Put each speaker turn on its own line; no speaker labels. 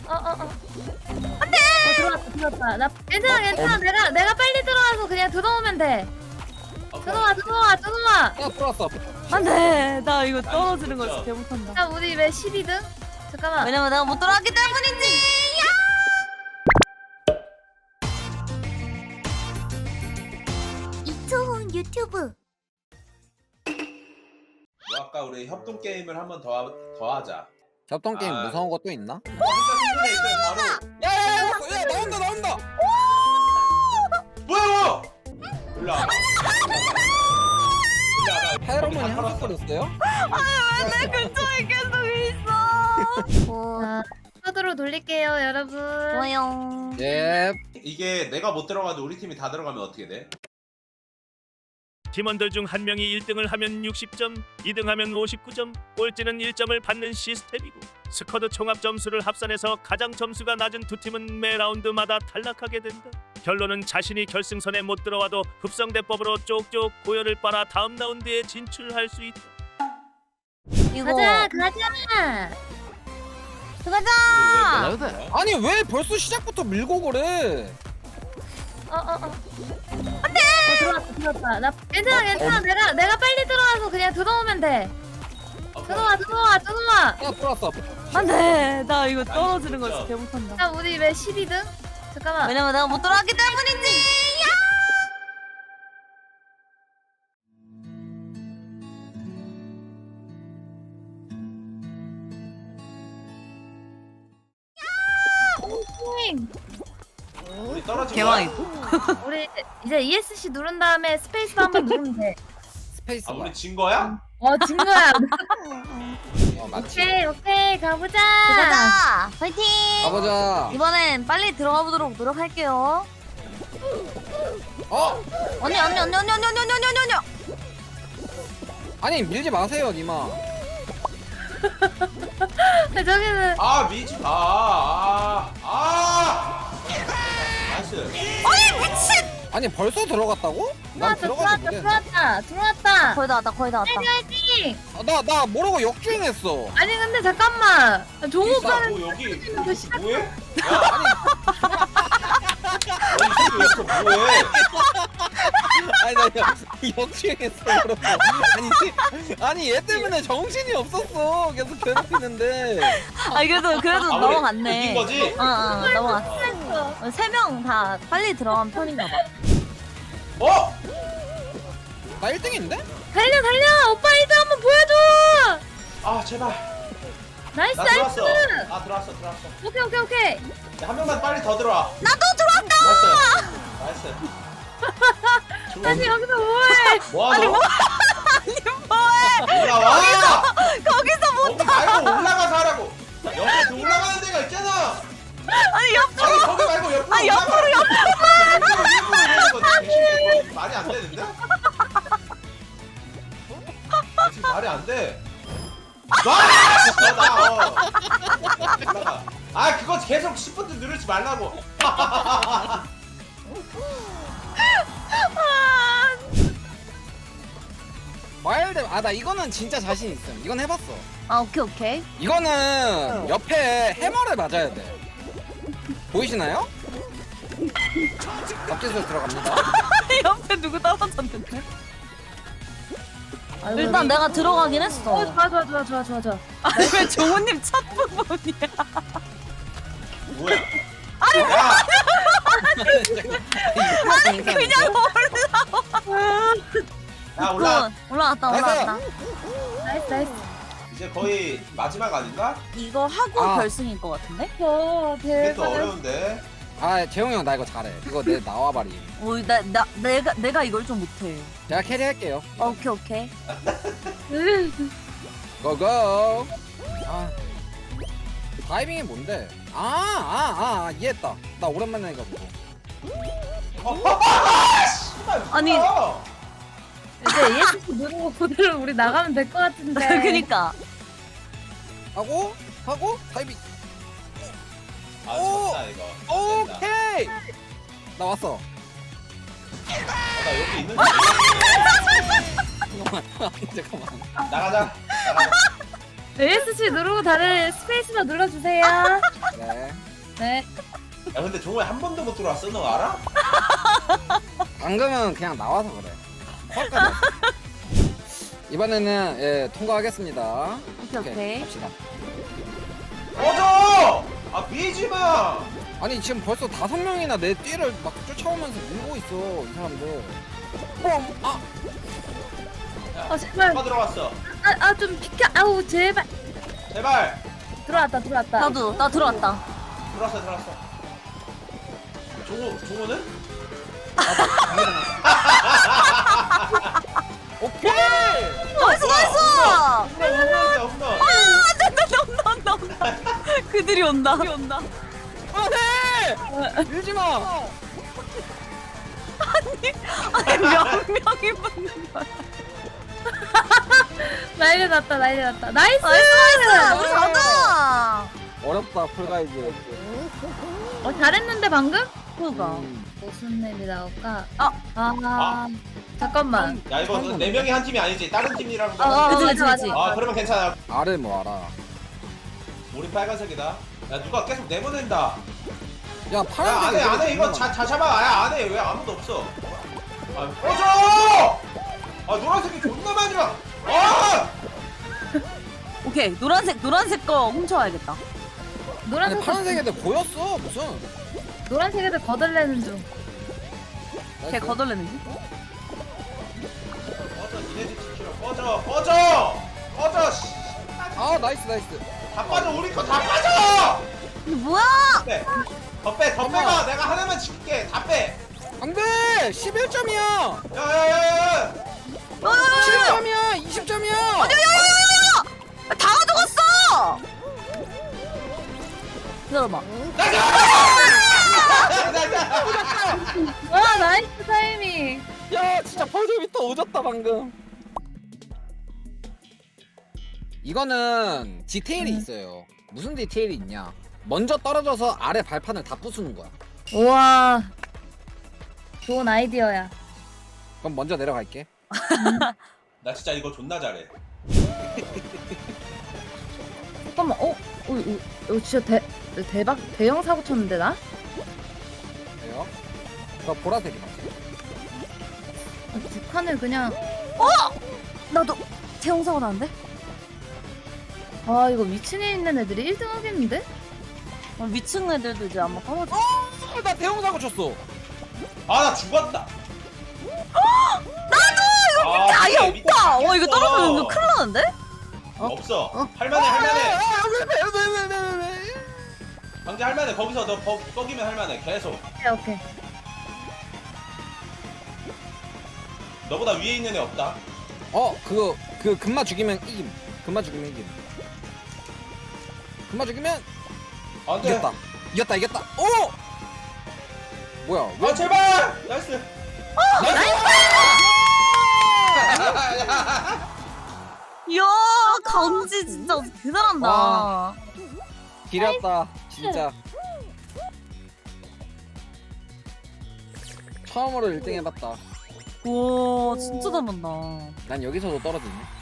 들어왔다. 나 괜찮아. 내가 빨리 들어와서 그냥 들어오면 돼. 들어와.
들어왔어.
안돼, 나 이거 떨어지는 거 진짜 개 못한다.
야, 우리 왜 12등? 잠깐만.
왜냐면 내가 못 들어왔기 때문이지.
이초훈 유튜브.
뭐 아까 우리 협동 게임을 한 번 더 하자.
협동 게임
아.
무서운 것도 있나?
바로
야야야, 나온다.
뭐야? 올라.
페로몬이 한석거렸어요?
내 근처에 계속 있어.
자, 카드로 돌릴게요, 여러분.
좋아요.
예.
이게 내가 못 들어가도 우리 팀이 다 들어가면 어떻게 돼?
팀원들 중 한 명이 1등을 하면 60점, 2등하면 59점, 꼴찌는 1점을 받는 시스템이고 스쿼드 총합 점수를 합산해서 가장 점수가 낮은 두 팀은 매 라운드마다 탈락하게 된다. 결론은 자신이 결승선에 못 들어와도 흡성대법으로 쪽쪽 고열을 빨아 다음 라운드에 진출할 수 있다.
이거
가자.
들어가자.
아니 왜 벌써 시작부터 밀고 그래?
들어왔다. 나 괜찮아. 내가 빨리 들어와서 그냥 들어오면 돼. 들어와.
들어왔어.
안돼, 나 이거 떨어지는 거 진짜 개 못한다.
야, 우리 왜 12등? 잠깐만.
왜냐면 내가 못 들어왔기 때문이지.
우리 떨어진
개망이.
거야?
우리 이제 ESC 누른 다음에 스페이스 한번 누르면 돼.
스페이스
아
바.
우리 진 거야?
진 거야.
맞지.
오케이, 가보자.
가자. 파이팅.
가보자.
이번엔 빨리 들어가 보도록 노력할게요. 언니.
아니 밀지 마세요, 니마.
저기는
아 미치. 나이스.
아니 벌써 들어갔다고? 난 들어가지 못했는데.
들어왔다.
거의 다 왔다.
화이팅.
나 모르고 역주행했어.
아니 근데 잠깐만. 종우 오빠는
뭐 여기
그 시간
뭐해? 야 아니 이 새끼 여기서 뭐해?
아니 나 역주행했어. 그러고. 아니 얘 때문에 정신이 없었어. 계속 괴롭히는데.
그래도
아,
넘어갔네.
이긴 거지?
넘어갔어.
했어.
3명 다 빨리 들어간 편인가 봐.
어?
나 1등인데?
달려. 오빠 1등 한번 보여줘.
아 제발.
나이스.
나 들어왔어. 아 들어왔어.
오케이.
야, 한 명만 빨리 더 들어와.
나도 들어왔다.
나이스.
아니 여기서 뭐해?
뭐하노?
뭐해?
올라와.
거기서 못.
거기 말고 올라가서 하라고. 옆에 올라가는 데가 있잖아.
아니 옆으로.
아니 거기 말고 옆으로.
아니 옆으로.
이거 말이 안 되는데? 지금 말이 안 돼. 올라가. 아 그거 계속 10분 누르지 말라고.
와일드. 나 이거는 진짜 자신 있음. 이건 해봤어.
오케이.
이거는 옆에 해머를 맞아야 돼. 보이시나요? 앞뒤로 들어갑니다.
옆에 누구 떨어졌는데? 일단 내가 들어가긴 했어.
좋아.
아니 왜 종우님 첫 부분이야?
뭐야? 아니
그냥
야 올라.
올라왔다.
나이스.
이제 거의 마지막 아닌가?
이거 하고
아.
결승일 것 같은데?
이게 또
대박.
어려운데.
재용이 형 나 이거 잘해. 이거 내 나와봐리.
내가 이걸 좀 못해.
제가 캐리할게요.
오케이.
고고. 다이빙이 뭔데? 이해했다. 나 오랜만에 해가지고.
아니.
이제 ESC 누르고 그대로 우리 나가면 될 것 같은데.
그니까.
하고 다이빙.
아
오!
졌다 이거.
오케이. 나 왔어.
나 여기 있는데.
잠깐만.
나가자.
ESC 누르고 다들 스페이스바 눌러주세요.
네.
네.
야 근데 종호야 한 번도 못 들어왔어 너 알아?
방금은 그냥 나와서 그래. 헛까지. 이번에는 예 통과하겠습니다.
오케이.
갑시다.
꺼져! 아 밀지마!
아니 지금 벌써 5명이나 내 뒤를 막 쫓아오면서 밀고 있어 이 사람들. 아
아 제발.
누가 들어왔어?
아 좀 비켜. 아우 제발.
제발!
들어왔다.
나도 나 들어왔다.
들어왔어 종호는?
오케이.
나이스 나이스.
홈런
온다. 그들이 온다.
안돼. 밀지 마.
아니 몇 명이 붙는 거야.
난리 났다. 나이스.
나이스 우리 잘한다.
어렵다 풀가이즈.
잘했는데 방금?
그가.
무슨 맵이 나올까?
아.
잠깐만.
야 이거 4명이 한 팀이 아니지 다른 팀이라고
그치.
아 그러면 괜찮아
알을 뭐 알아.
우리 빨간색이다 야 누가 계속 내보낸다
야
야
파란색.
안해 이거 자 잡아 야 안해 왜 아무도 없어 아 꺼져 아 노란색이 존나 많이 와 아!
오케이 노란색 거 훔쳐와야겠다.
아니
노란색
파란색 애들 보였어 무슨.
노란색 애들 거들내는 중.
걔 거덜내는지?
꺼져 니네 집 지키러 꺼져 씨.
아 나이스.
다 빠져 우리 거 다 빠져
이게 뭐야?
더 빼가 내가 하나만 지킬게 다빼
안돼. 11점이야.
야야야야
10점이야. 20점이야.
야야야야야! 다 가져갔어! 기다려봐.
와 나이스 타이밍.
야 진짜 펄저비터 오졌다 방금. 이거는 디테일이 있어요. 무슨 디테일이 있냐? 먼저 떨어져서 아래 발판을 다 부수는 거야.
우와. 좋은 아이디어야.
그럼 먼저 내려갈게.
나 진짜 이거 존나 잘해
잠깐만. 이거 진짜 대박 대형 사고 쳤는데 나?
왜요? 나 보라색이다.
두 칸을 그냥.
나도 태용 사고 나는데?
아 이거 위층에 있는 애들이 1등 하겠는데?
위층 애들도 이제 아마 떨어져.
나 대형 사고 쳤어.
아 나 죽었다
진짜 아예 없다. 이거 떨어지면 이거 큰일 나는데?
없어 할만해
왜?
강제 할만해 거기서 너 뻑이면 할만해 계속
오케이.
너보다 위에 있는 애 없다
그 금마 죽이면 이김. 금마 죽이면
안돼
이겼다. 오! 뭐야? 왜?
아 제발 나이스
이야 강지 진짜 대단한다.
와. 길었다 진짜. 처음으로 1등 해봤다.
와 진짜 잘한다.
난 여기서도 떨어지네.